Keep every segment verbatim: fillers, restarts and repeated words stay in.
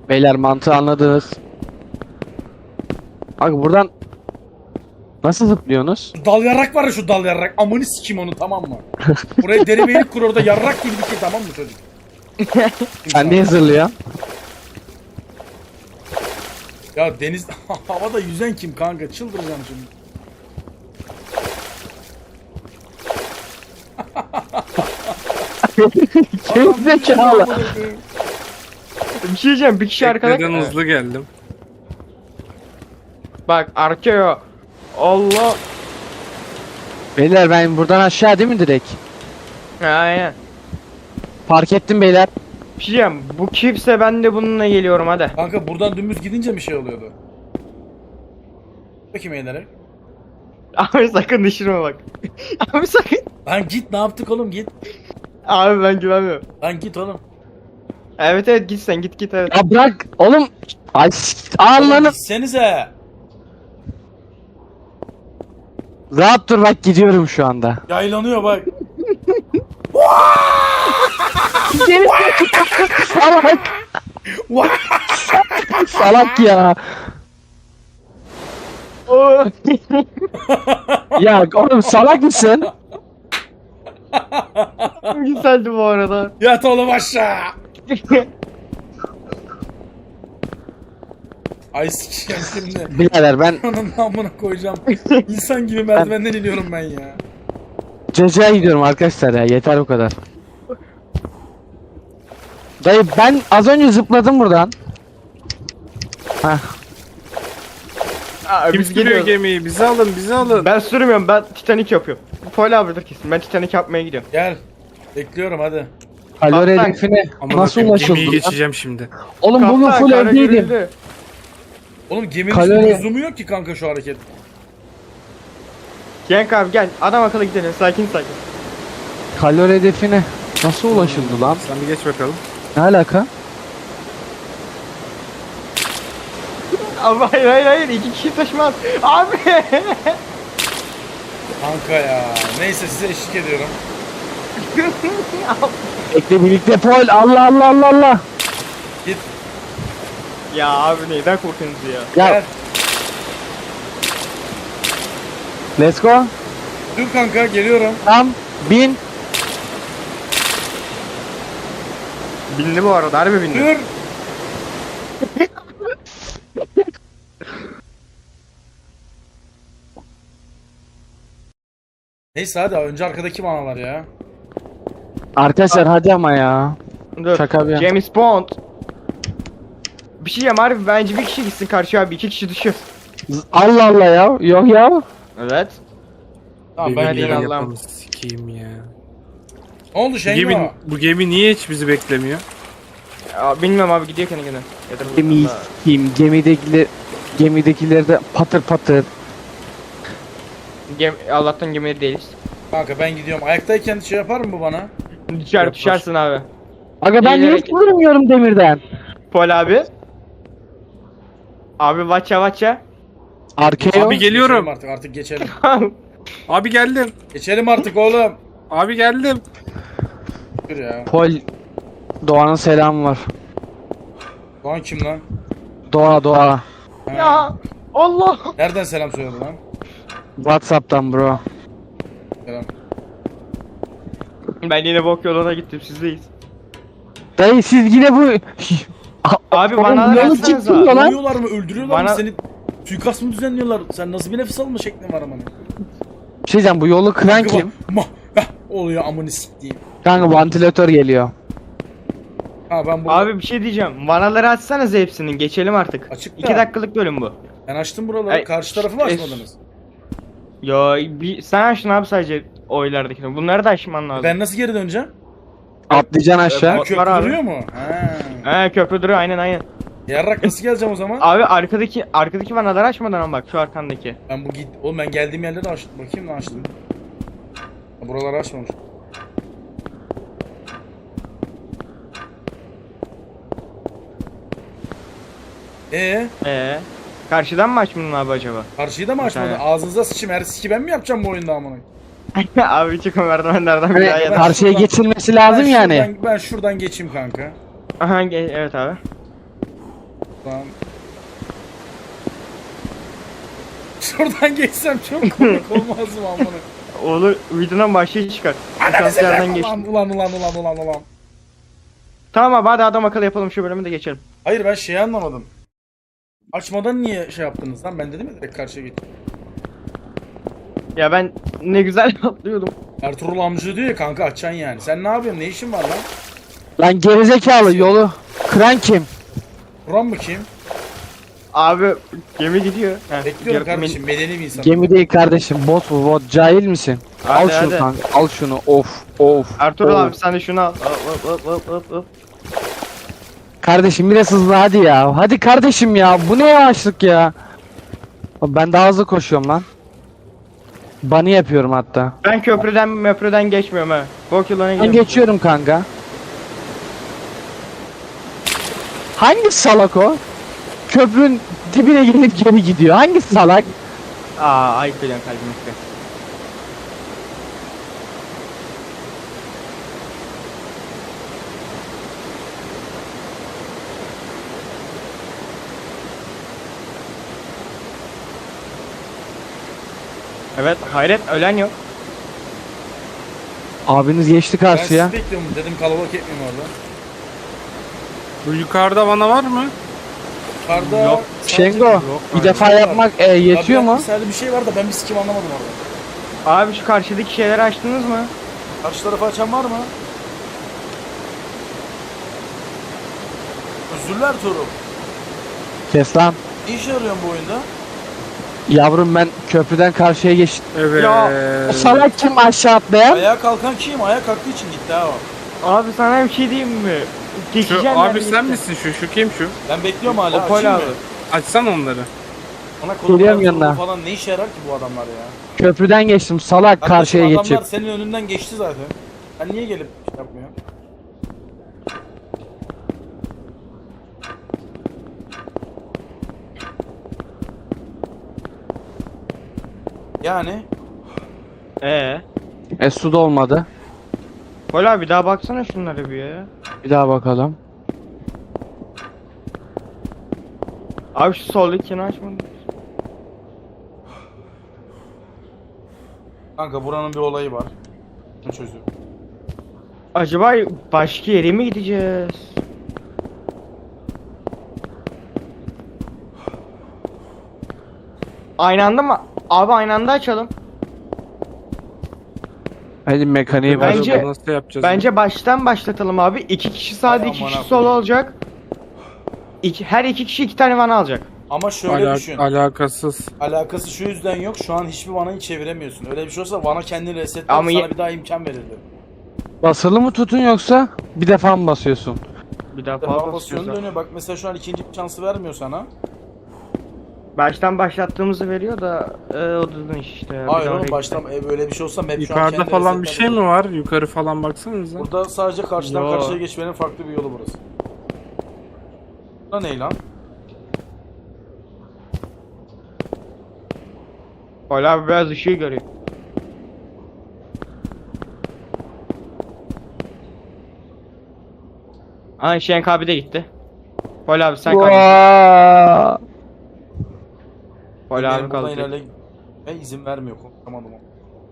Beyler mantığı anladınız. Abi buradan nasıl zıplıyorsunuz? Dal yarrak var ya, şu dal yarrak. Amını sikeyim onu, tamam mı? Buraya deri beylik kur, orada yarrak gibi dikey, tamam mı çocuk? Sen niye zırlıyorsun? Ya deniz havada yüzen kim kanka? Çıldıracağım şimdi. Kim zekalı? Bir şey diyeceğim, bir kişi arkada. Neden hızlı geldim? Bak arkeo. Allah. Beyler ben buradan aşağı değil mi direkt? Aynen. Fark ettim beyler. Bir şey diyeceğim, bu kimse ben de bununla geliyorum hadi. Kanka buradan dümdüz gidince bir şey oluyordu. Bakayım eğilerek. Abi sakın düşürme bak. Abi sakın. Lan git, ne yaptık oğlum, git. Abi ben güvenmiyorum. Lan git oğlum. Evet evet git sen git git evet. Ya bırak oğlum. Ay Oğlum Allah'ını. gitsenize. Rahat dur bak gidiyorum şu anda. Yaylanıyor bak. Salak. Salak ya. Ya oğlum salak mısın? Güzeldi bu arada. Yat oğlum aşağı. Ay sikeyim şimdi. Birader ben Ananın amına koyacağım. İnsan gibi merdivenden iniyorum ben ya. Ceca'ya gidiyorum arkadaşlar ya yeter bu kadar. Dayı ben az önce zıpladım buradan. Hah. Aa, Kim biz sürüyor geliyoruz. gemiyi? Bizi alın, bizi alın. Ben sürmüyorum, ben Titanic yapıyorum. Pol abidir kesin, ben Titanic yapmaya gidiyorum. Gel. Bekliyorum hadi. Kalori Kaptan. hedefine Aman nasıl Allah'ım, ulaşıldı? gemiyi lan? geçeceğim şimdi. Oğlum bugün Kaptan, full kara evdeydim. görüldü. Oğlum geminin Kalori- üstünde lüzumu yok ki kanka şu hareket. Cenk abi gel, adam akıllı gidelim, sakin sakin. Kalori hedefine nasıl ulaşıldı lan? Sen bir geç bakalım. Ne alaka? Abi hayır hayır hayır, iki kişi taşımaz. Abi. Kanka ya. Neyse size eşlik ediyorum. Bekle birlikte Pol. Allah Allah Allah Allah. Git. Ya abi neyden korkuyorsunuz ya? Ya Gel. let's go. Dur kanka, geliyorum. Tam bin. Bindi bu arada, harbi bindi. Dur. Neyse hadi, önce arkadaki manalar ya. Arkadaşlar hadi ama ya. Dur. Şaka bir yana. James Bond. Bir şey diyeyim harbi, bence bir kişi gitsin karşıya abi, iki kişi düşüyor. Z- Allah Allah ya. Yok ya. Evet. Tamam ben hadi Gemiyi Allah'ım. geliyorum. yapalım, sikeyim ya. Ne oldu Bu Şengo? gemi, bu gemi niye hiç bizi beklemiyor? Ya, bilmiyorum abi, gidiyor kendi kendine. Ya da- Gemiyi s**eyim. Gemidekiler gemidekiler de patır patır. Gem Allah'tan gemide değiliz. Kanka ben gidiyorum. Ayaktayken şey yapar mı bu bana? Düşer Yapar. düşersin abi. Aga ben niye Eğilerek- hiç durmuyorum demirden? Pol abi. Abi vaça vaça. Arkaya Abi geliyorum. Geçelim artık, artık geçelim. Abi geldim. Geçelim artık oğlum. Abi geldim. Dur ya. Pol. Doğan'ın selamı var. Doğan kim lan? Doğa Doğa. Ha. Ya Allah. Nereden selam söyledi lan? Whatsapp'tan bro. Selam. Ben yine bok yoluna gittim, sizdeyiz. Dayı siz yine bu... Abi Oğlum, bana yolu versanıza. çıkmıyor lan. Vuruyorlar mı? Öldürüyorlar mı Bana- seni? Suikast mı düzenliyorlar? Sen nasıl bir nefes alma şeklin var aman? Bir şey diyeceğim bu yolu kıran kim? Ma, heh, oluyor amını siktiğim. Kanka vantilatör geliyor. Ha ben bu Abi bir şey diyeceğim. Vanaları açsanız hepsinin, geçelim artık. Açık da. iki dakikalık bölüm bu. ben açtım buraları. Ay, Karşı tarafı mı es- açmadınız? Ya bir sen açtın abi sadece oylardakini. Bunları da açman lazım. Ben nasıl geri döneceğim? Atlayacaksın aşağı. Bot Köprü var abi. duruyor mu? Ha. He köprü duruyor, aynen aynen. Yarrak nasıl geleceğim o zaman? Abi arkadaki arkadaki vanaları açmadan ama bak şu arkandaki. Ben bu git. Oğlum ben geldiğim yerleri açtım. Bakayım ne açtım. Ha, buraları açmamış. Ee, Ee, karşıdan mı açmadın abi acaba? karşıyı da mı açmadın? tane. Ağzınıza sıçayım, her siki ben mi yapacağım bu oyunda amına? Abi çıkın merdivenlerden bir Hani daha Ben yeter. karşıya şuradan- geçilmesi lazım ben yani. Şuradan, ben şuradan geçeyim kanka. Aha ge- evet abi. Tamam. Şuradan geçsem çok komik olmaz mı amına? Olur, videodan başlığı çıkar. Asansörden geç. Ulan ulan ulan ulan ulan ulan. Tamam abi, hadi adam akıllı yapalım, şu bölümü de geçelim. Hayır ben şeyi anlamadım. Açmadan niye şey yaptınız lan? Ben dedim ya direkt karşıya git. Ya ben ne güzel atlıyordum. Ertuğrul amca diyor ya kanka açacaksın yani. Sen ne yapıyorsun? Ne işin var lan? Lan gerizekalı yolu kıran kim? Buran mı kim? Abi gemi gidiyor. Heh, Bekliyorum gemi- kardeşim. Medeni bir insan. Gemi değil kardeşim, bot bu bot, cahil misin? Hadi, al şunu hadi. kanka, al şunu, of of. Ertuğrul of. abi sen de şunu al. Hop hop hop hop hop. Kardeşim biraz hızlı hadi ya. Hadi kardeşim ya, bu ne yavaşlık ya. Ben daha hızlı koşuyorum lan. Bunny yapıyorum hatta. Ben köprüden möprüden geçmiyorum ha. Bok yoluna Ben gidiyorum. geçiyorum kanka. Hangi salak o? Köprünün dibine gelip geri gidiyor. Hangi salak? Aa ayıp ediyorsun kalbimi. Evet, hayret ölen yok. Abiniz geçti Ben karşıya. sizi bekliyorum. Dedim kalabalık etmeyeyim orada. Bu yukarıda bana var mı? Yukarıda... Yok. sadece- Şengo, Yok, bir hayır. defa yapmak e, yetiyor Abi, mu? Mesela bir şey var da ben bir sikim anlamadım orada. Abi şu karşıdaki şeyleri açtınız mı? Karşı tarafı açan var mı? Özürler Tuğrul. Kes lan. Ne işe yarıyorsun bu oyunda? Yavrum ben köprüden karşıya geçtim. Evet. Ya, O salak kim aşağı atlayan? Ayağa kalkan kim? Ayağa kalktığı için gitti ha o. Abi sana bir şey diyeyim mi? Geçeceğim Şu, ben abi birlikte. sen misin şu? Şu kim şu? Ben bekliyorum hala. Opol Açayım abi. mı? Açsan onları. Ona kolum Geliyorum Ertuğrul yanına. falan ne işe yarar ki bu adamlar ya? Köprüden geçtim salak Kardeşim, karşıya adamlar geçip. senin önünden geçti zaten. Sen niye gelip şey yapmıyorsun? Yani Ee. E su da olmadı. Pol abi daha baksana şunlara bir ya. Bir daha bakalım. Abi şu soldakini açmadın. kanka buranın bir olayı var. Bunu çözüyorum. Acaba başka yere mi gideceğiz? Aynı anda mı? Abi aynı anda açalım. Hadi mekaniği Bence- bence... Bence, nasıl yapacağız? Bence baştan başlatalım abi. İki kişi sağda, Ay iki aman kişi ha sol koyayım. olacak. İki, her iki kişi iki tane vana alacak. Ama şöyle Ala- düşün. alakasız. Alakası şu yüzden yok. Şu an hiçbir vanayı çeviremiyorsun. Öyle bir şey olsa vana kendini resetler Ama sana ye- bir daha imkan verirdi. Basılı mı tutun yoksa bir defa mı basıyorsun? Bir daha Defa fazla basıyorsun basıyoruz. dönüyor. Bak mesela şu an ikinci bir şansı vermiyor sana. Baştan başlattığımızı veriyor da e, o da iş işte. ya. Bir Hayır daha oğlum oraya baştan e, böyle bir şey olsa map şu an Yukarıda kendi falan bir resetler şey veriyor. mi var? Yukarı falan baksanıza. Burada sadece karşıdan Yo. karşıya geçmenin farklı bir yolu burası. Bu ne lan? Pol abi biraz ışığı görüyor. Aa Şenk abi de gitti. Pol abi sen kaldın. Vaa! Pol Benim abi buradan kaldı. ilerle- Ve izin vermiyor. Konuşamadım ama.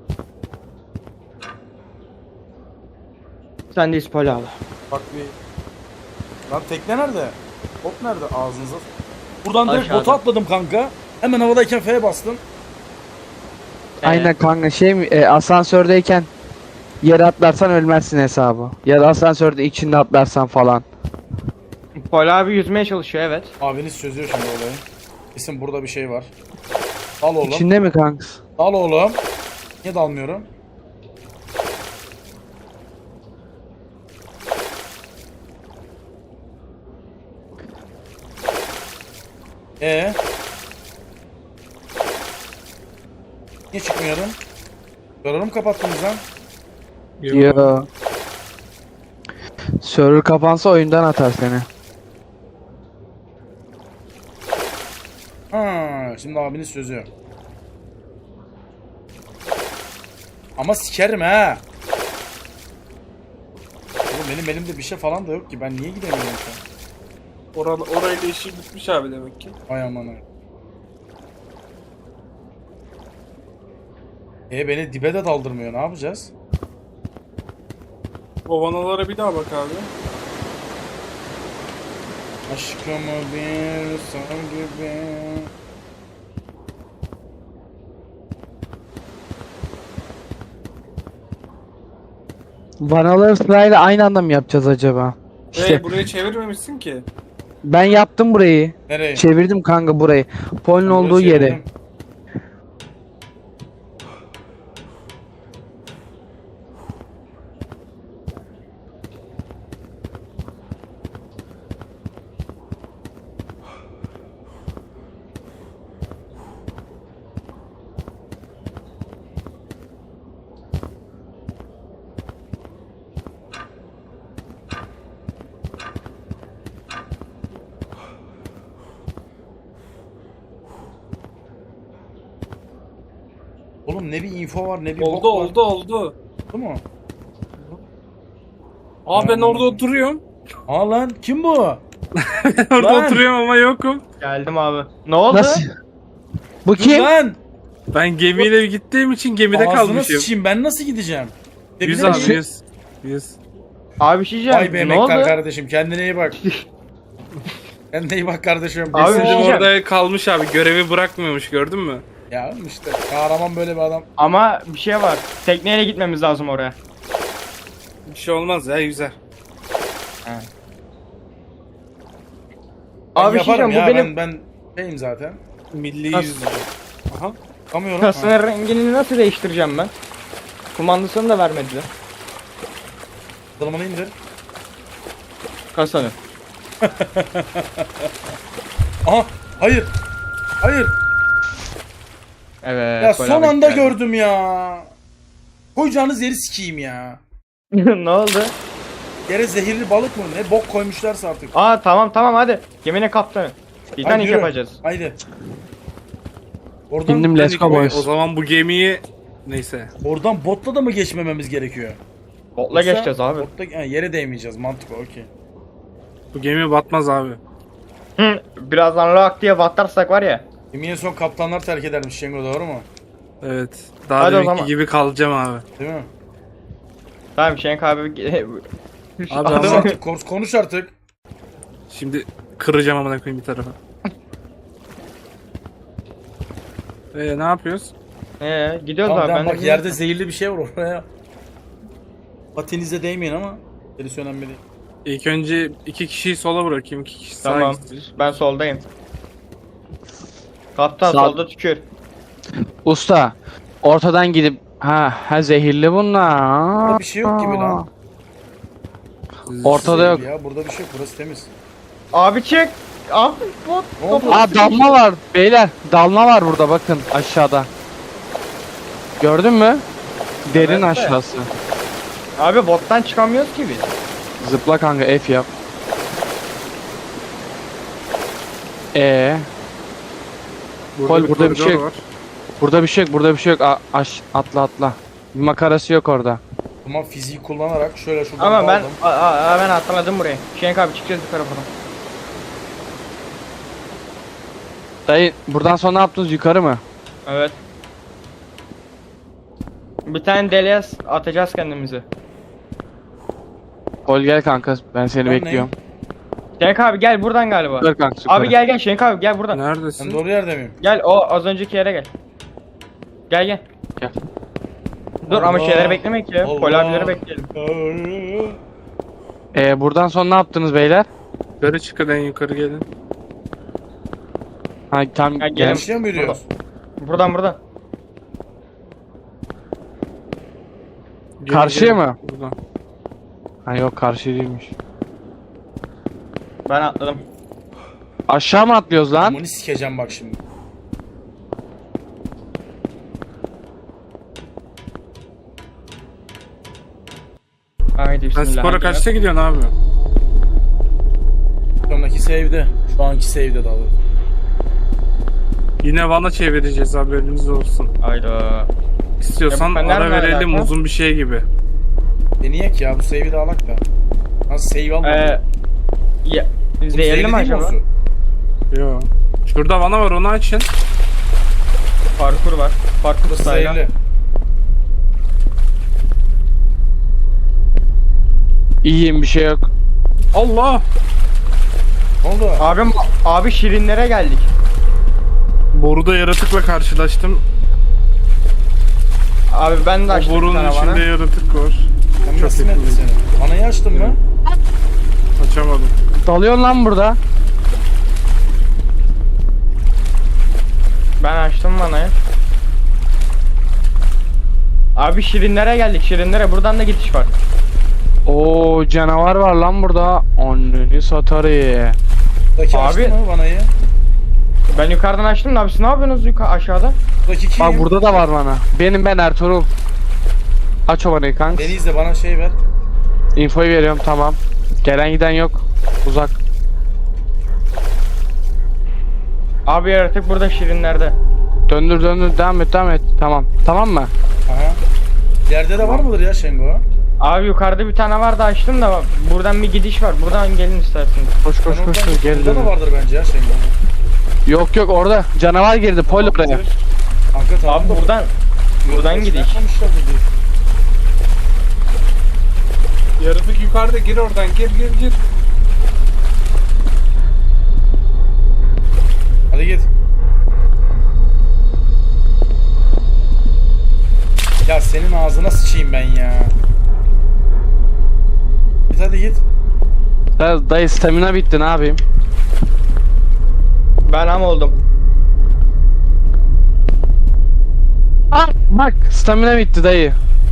Sendeyiz Pol abi. Bak bir... Lan tekne nerede? Bot nerede? Ağzınıza... Buradan direkt Aşağıda. bota atladım kanka. Hemen havadayken F'ye bastım. Aynen kanka şey mi e, asansördeyken yere atlarsan ölmezsin hesabı. Ya da asansörde içinde atlarsan falan. Pol abi yüzmeye çalışıyor evet. Abiniz çözüyor şimdi olayı. Kesin burada bir şey var. Dal oğlum. İçinde mi kanks? Dal oğlum. Niye dalmıyorum? Ee? Niye çıkmıyorum? Server'ı mı kapattınız lan? Yo. Server kapansa oyundan atar seni. Ha, şimdi abiniz çözüyor. Ama sikerim ha. Oğlum benim elimde bir şey falan da yok ki. Ben niye gidemiyorum şu an? Oral, orayla işi bitmiş abi demek ki. Ay aman ay. E beni dibe de daldırmıyor. Ne yapacağız? O vanalara bir daha bak abi. Aşkımı bir son gibi. Vanaları sırayla aynı anda mı yapacağız acaba? İşte Ee, burayı çevirmemişsin ki. ben yaptım burayı. Nereye? Çevirdim kanka burayı. Polin olduğu Burası yere. çevirdim. Oğlum ne bir info var ne bir Oldu bok var. oldu oldu. Oldu mu? Aa ben Tamam. orada oturuyorum. Aa lan kim bu? Orada Lan! oturuyorum ama yokum. Geldim abi. Ne oldu? Nasıl? Bu Dur kim? lan! Ben gemiyle gittiğim için gemide Ağzına kalmışım. sıçayım ben nasıl gideceğim? Yüz Gidebilir abi miyim? yüz. Yüz. Abi bir şey diyeceğim. Vay be ne oldu? emektar kardeşim kendine iyi bak. Kendine iyi bak kardeşim. Abi bir Bizim- şey Bizim diyeceğim. orada kalmış abi. Görevi bırakmıyormuş gördün mü? Ya oğlum işte kahraman böyle bir adam. Ama bir şey var. Tekneyle gitmemiz lazım oraya. Bir şey olmaz ya yüzer. Ben Abi bir şey yaparım diyeceğim. ya Bu benim ben ben şeyim zaten. Milli Nasıl? yüz. Aha. Kamıyorum. kasının rengini nasıl değiştireceğim ben? Kumandasını da vermediler. Kılımını indir. Kasanı. Aha hayır. Hayır. Evet. Ya gol son abi anda geldi. gördüm ya. Koyacağınız yeri sikeyim ya. Ne oldu? Yere zehirli balık mı ne bok koymuşlarsa artık. Aa tamam tamam hadi. Geminin kaptanı. Titanic Hadi yürü. yapacağız. Haydi. Oradan, Bindim let's go O boys. zaman bu gemiyi neyse. oradan botla da mı geçmememiz gerekiyor? Botla Yoksa geçeceğiz abi. Botla, ha, yere değmeyeceğiz mantıklı okey. Bu gemi batmaz abi. Hı, birazdan lak diye batarsak var ya. Gemiye son kaptanlar terk edermiş Şengo doğru mu? Evet. Daha Hadi o deminki zaman. gibi kalacağım abi. Değil mi? Tamam Şenk abi. Abi Konuş ama artık, konuş, konuş artık. şimdi kıracağım amına koyayım bir tarafa. Ee ne yapıyoruz? Ee, gidiyoruz Tamam, abi. tamam, Ben de bak yerde zehirli bir şey var oraya. Patinize değmeyin ama. Gerisi önemli değil. İlk önce iki kişiyi sola bırakayım, iki kişi sağa Tamam. gitsin. Ben soldayım. Kaptan Sağ- solda tükür. Usta. Ortadan gidip ha ha zehirli bunlar. Burada bir şey yok gibi lan. Ortada yok. Zehirli Ya burada bir şey yok burası temiz. Abi çık. Abi bot. Ne oldu? Aa dalma var beyler. Dalma var burada bakın aşağıda. Gördün mü? Derin Evet de. aşağısı. Abi bottan çıkamıyoruz ki biz. Zıpla kanka F yap. Ee, Kol, burada bir şey koridor yok. burada bir şey yok, burada bir şey yok. A- aş atla atla. Bir makarası yok orada. Ama fiziği kullanarak şöyle şuradan Ama ben daldım. a, a, a, ben atladım buraya. Şenk abi çıkacağız yukarı falan. Dayı buradan sonra ne yaptınız yukarı mı? Evet. Bir tane deliğe s- atacağız kendimizi. Kol gel kanka ben seni Ben bekliyorum. Şenk abi gel buradan galiba. Yukarı kanka yukarı. Abi gel gel Şenk abi gel buradan. Ben Neredesin? doğru yerde miyim? Gel o az önceki yere gel. Gel gel. Gel. Dur ama Allah. şeyleri beklemek ya. Allah. Pol abileri bekleyelim. Ee, buradan sonra ne yaptınız beyler? Yukarı çıkın en yukarı gelin. Ha tam Ha, gel. gelin. Karşıya mı yürüyoruz? Buradan buradan. Gelin, Karşıya gelin. mı? Buradan. Ha yok karşı değilmiş. Ben atladım. Aşağı mı atlıyoruz lan? Bunu sikeceğim bak şimdi. Haydi Sen bismillah. spora kaçta gidiyorsun abi? Sonraki save'de. Şu anki save'de daha doğrusu. Yine vana çevireceğiz haberiniz olsun. Hayda. İstiyorsan Ya bu fener ara ne verelim alaka? uzun bir şey gibi. Deneyek ya bu save'i de alak da. Nasıl save almadım? Ee, ya, Bu Zehirli zehirli mi değil mi o acaba? su? Yo. Şurada vana var, onu açın. Parkur var. Parkur Burası style'a. zehirli. İyiyim, bir şey yok. Allah! Ne oldu? Abim, abi şirinlere geldik. Boruda yaratıkla karşılaştım. Abi ben de O açtım bir borunun tane içinde bana. yaratık var. Ben Çok nasıl yakın. ettim seni? Vanayı açtın mı? Açamadım. Dalıyorsun lan burada. Ben açtım vanayı. Abi şirinlere geldik, şirinlere. Buradan da gidiş var. Oo, canavar var lan burada. Anneni satarı. Buradaki Abi- açtın mı vanayı? Ben yukarıdan açtım da abi siz ne yapıyorsunuz yukarı aşağıda? Buradaki kim? Bak burada da var bana. Benim ben Ertuğrul. Aç o vanayı kanka. Beni izle, bana şey ver. Infoyu veriyorum, tamam. Gelen giden yok. Uzak. Abi yaratık burada şirinlerde. Döndür döndür, devam et devam et. Tamam. Tamam mı? Aha. Yerde de var mıdır ya Şengo? Abi yukarıda bir tane var da açtım da buradan bir gidiş var. Buradan gelin isterseniz. Koş koş Ben koş. oradan- koş. Geri Burada da dön. vardır bence ya Şengo. Yok yok, orada. Canavar girdi. Pol oraya. Kanka tamam Abi da- buradan buradan Yok, gidiş. yapmamışlar burada. Yaratık yukarıda, gir oradan, gir gir gir. Hadi git. Ya senin ağzına sıçayım ben ya. Git hadi git. Ya dayı, stamina bitti, ne yapayım? Ben am oldum. Ah bak, stamina bitti dayı.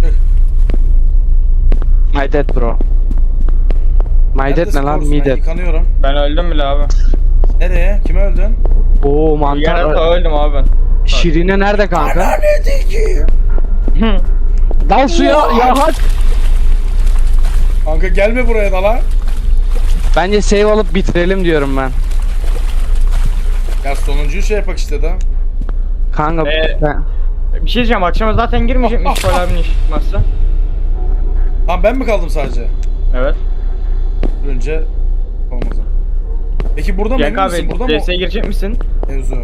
My dead bro. My dead Neredesin ne lan? Boris? Me Ben dead. yıkanıyorum. Ben öldüm bile abi. Nereye? Kime öldün? Oo, mantar. Yaratığa öldüm abi ben. Şirine nerede kanka? Hı. Dal suya ya, hak. Kanka gelme buraya da lan. Bence save alıp bitirelim diyorum ben. Ya sonuncuyu şey yapak işte da. Kanka Ee, ben... Bir şey diyeceğim, akşama zaten girmeyecekmiş Pol abinin iş çıkmazsa. Ha ben mi kaldım sadece? Evet. Önce olmaz ha. Peki burada mı? Cenk Emin misin? abi Burada D mı S'ye girecek misin? mevzu?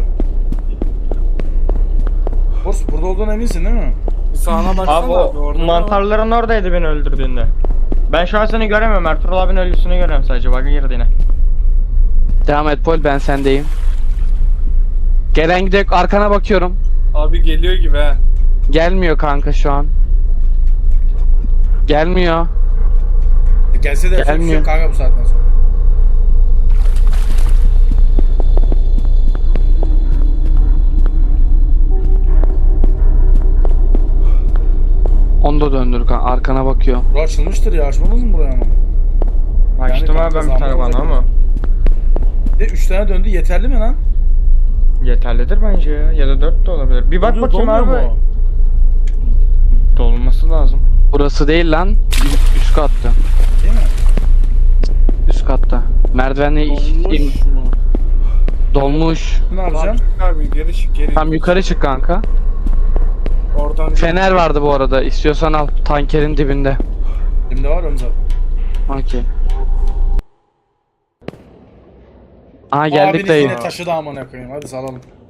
Boris burada olduğuna eminsin değil mi? Sağına baksana Abi abi, o orada. mantarların oradaydı beni öldürdüğünde. Ben şu an seni göremiyorum. Ertuğrul abinin ölüsünü görüyorum sadece. Bug'a girdi yine. Devam et Pol, ben sendeyim. Gelen gidek, arkana bakıyorum. Abi geliyor gibi he. Gelmiyor kanka şu an. Gelmiyor. E gelse de yapacak bir şey yok Gelmiyor. kanka bu saatten sonra. Onu da döndür kanka, arkana bakıyor. Bura açılmıştır ya, açmadınız mı buraya ama? Açtım Yani abi ben bir kanka tane zahmet bana olacak. ama. Bir de üç tane döndü, yeterli mi lan? Yeterlidir bence ya. Ya da dört de olabilir. Bir bak Oluyor, bakayım dolmuyor abi. mu? Dolması lazım. Burası değil lan. Ü- Üst katta. Değil mi? Üst katta. Merdivenle in- Dolmuş mu? dolmuş. Ne yapacağım? Abi geri çık, geri. Tam yukarı çık kanka. Oradan Fener vardı bu arada. İstiyorsan al. Tankerin dibinde. Elimde var onu zaten. Okey. Aha geldik Abiniz dayı. yine taşıdı amına koyayım. Hadi salalım.